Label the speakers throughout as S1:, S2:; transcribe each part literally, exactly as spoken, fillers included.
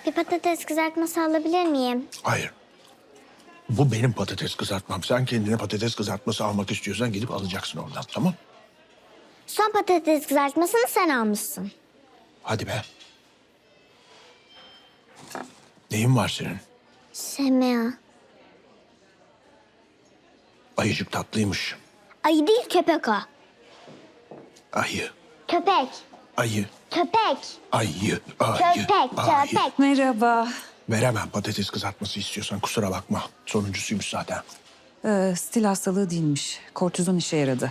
S1: Bir patates kızartması alabilir miyim?
S2: Hayır. Bu benim patates kızartmam. Sen kendine patates kızartması almak istiyorsan gidip alacaksın oradan, tamam?
S1: Son patates kızartmasını sen almışsın.
S2: Hadi be. Neyin var senin?
S1: Semea.
S2: Ayıcık tatlıymış.
S1: Ayı değil köpek o.
S2: Ayı,
S1: Köpek.
S2: ayı,
S1: Köpek.
S2: ayı, ayı,
S1: Köpek.
S2: ayı.
S1: Köpek.
S3: Merhaba.
S2: Veremem patates kızartması istiyorsan, kusura bakma. Sonuncusuymuş zaten.
S3: Ee, stil hastalığı değilmiş. Kortizon işe yaradı.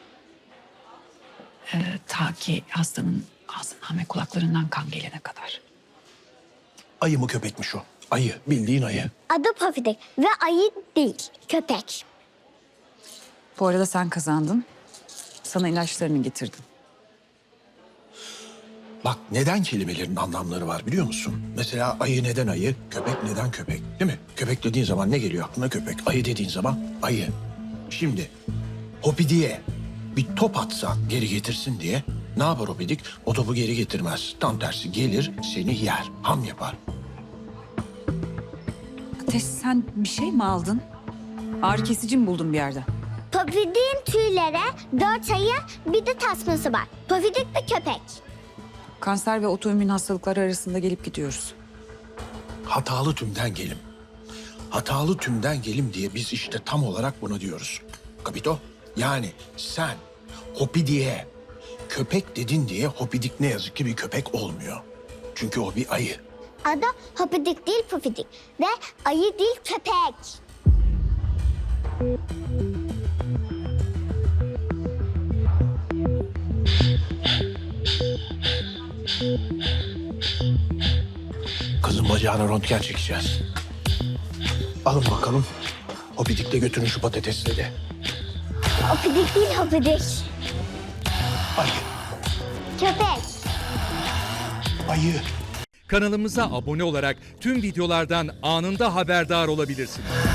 S4: Ee, ta ki hastanın ağzından ve kulaklarından kan gelene kadar.
S2: Ayı mı köpekmiş o? Ayı, bildiğin ayı.
S1: Adı Pofidik ve ayı değil köpek.
S3: Bu arada sen kazandın. Sana ilaçlarını getirdim.
S2: Bak neden kelimelerin anlamları var biliyor musun? Mesela ayı neden ayı, köpek neden köpek, değil mi? Köpek dediğin zaman ne geliyor aklına köpek? Ayı dediğin zaman ayı. Şimdi Hopidi'ye bir top atsa geri getirsin diye ne yapar Hopidik? O topu geri getirmez. Tam tersi gelir seni yer, ham yapar.
S3: Ateş, sen bir şey mi aldın? Ağrı kesici mi buldun bir yerde?
S1: Pofidik'in tüylere dört ayı bir de tasması var. Pofidik bir köpek.
S3: Kanser ve otoimmün hastalıklar arasında gelip gidiyoruz.
S2: Hatalı tümden gelim. Hatalı tümden gelim diye biz işte tam olarak buna diyoruz. Kapito? Yani sen Hopidi'ye köpek dedin diye Hopidik ne yazık ki bir köpek olmuyor. Çünkü o bir ayı.
S1: Adı Hopidik değil Pofidik ve ayı değil köpek.
S2: Kızın bacağına röntgen çekeceğiz. Alın bakalım. Hopidik de götürün şu patatesleri.
S1: Hopidik değil Hopidik.
S2: Ayı,
S1: Köpek.
S2: ayı.
S5: Kanalımıza abone olarak tüm videolardan anında haberdar olabilirsiniz.